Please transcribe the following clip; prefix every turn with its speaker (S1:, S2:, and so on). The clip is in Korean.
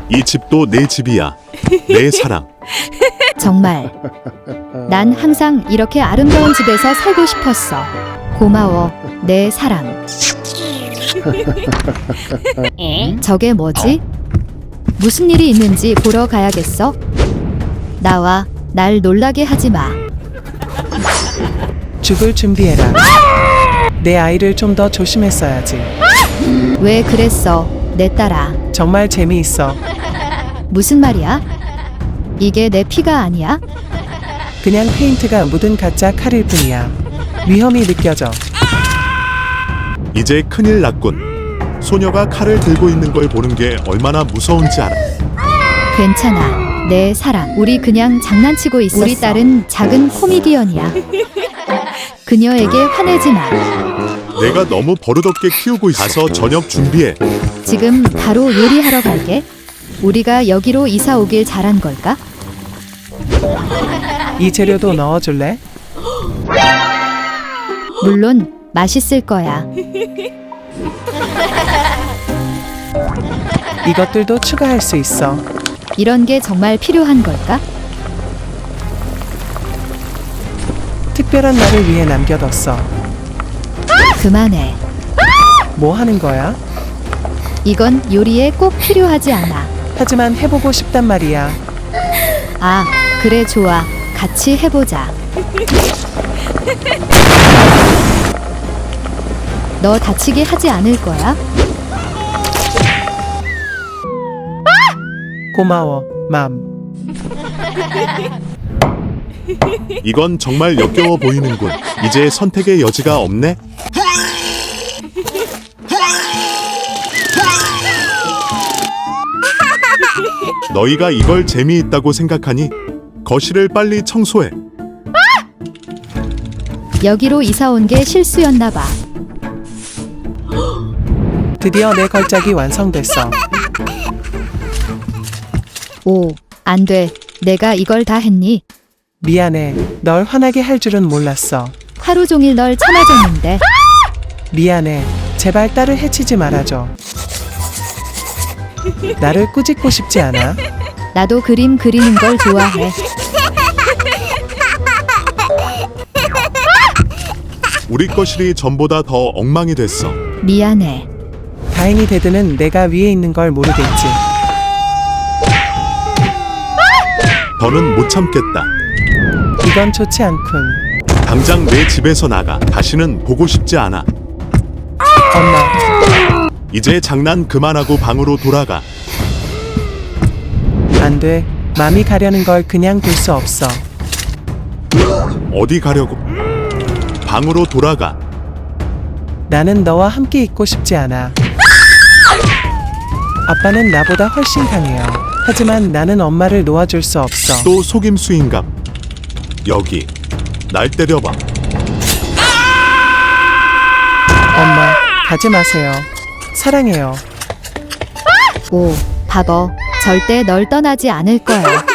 S1: 이 집도 내 집이야. 내 사랑.
S2: 정말 난 항상 이렇게 아름다운 집에서 살고 싶었어. 고마워, 내 사랑. 저게 뭐지? 무슨 일이 있는지 보러 가야겠어. 나와, 날 놀라게 하지 마.
S3: 죽을 준비해라. 내 아이를 좀 더 조심했어야지.
S2: 왜 그랬어, 내 딸아?
S3: 정말 재미있어.
S2: 무슨 말이야? 이게 내 피가 아니야?
S3: 그냥 페인트가 묻은 가짜 칼일 뿐이야. 위험이 느껴져.
S1: 이제 큰일 났군. 소녀가 칼을 들고 있는 걸 보는 게 얼마나 무서운지 알아.
S2: 괜찮아, 내 사랑. 우리 그냥 장난치고 있었어. 우리 딸은 작은 코미디언이야. 그녀에게 화내지 마.
S1: 내가 너무 버릇없게 키우고 있어. 가서 저녁 준비해.
S2: 지금 바로 요리하러 갈게. 우리가 여기로 이사 오길 잘한 걸까?
S3: 이 재료도 넣어줄래?
S2: 물론 맛있을 거야.
S3: 이것들도 추가할 수 있어.
S2: 이런 게 정말 필요한 걸까?
S3: 특별한 날을 위해 남겨뒀어.
S2: 그만해.
S3: 뭐 하는 거야?
S2: 이건 요리에 꼭 필요하지 않아.
S3: 하지만 해보고 싶단 말이야.
S2: 아, 그래 좋아. 같이 해보자. 너 다치게 하지 않을 거야?
S3: 고마워, 맘.
S1: 이건 정말 역겨워 보이는군. 이제 선택의 여지가 없네. 너희가 이걸 재미있다고 생각하니 거실을 빨리 청소해.
S2: 여기로 이사 온 게 실수였나 봐.
S3: 드디어 내 걸작이 완성됐어.
S2: 오, 안 돼. 내가 이걸 다 했니?
S3: 미안해. 널 화나게 할 줄은 몰랐어.
S2: 하루 종일 널 참아줬는데.
S3: 미안해. 제발 딸을 해치지 말아줘. 나를 꾸짖고 싶지 않아?
S2: 나도 그림 그리는 걸 좋아해.
S1: 우리 거실이 전보다 더 엉망이 됐어.
S2: 미안해.
S3: 다행히 데드는 내가 위에 있는 걸 모르겠지.
S1: 더는 못 참겠다.
S3: 이건 좋지 않군.
S1: 당장 내 집에서 나가. 다시는 보고 싶지 않아.
S3: 엄마,
S1: 이제 장난 그만하고 방으로 돌아가.
S3: 안 돼. 맘이 가려는 걸 그냥 둘 수 없어.
S1: 어디 가려고? 방으로 돌아가.
S3: 나는 너와 함께 있고 싶지 않아. 아빠는 나보다 훨씬 강해요. 하지만 나는 엄마를 놓아줄 수 없어.
S1: 또 속임수인갑. 여기 날 때려봐.
S3: 엄마, 가지 마세요. 사랑해요.
S2: 오, 바보. 절대 널 떠나지 않을 거야.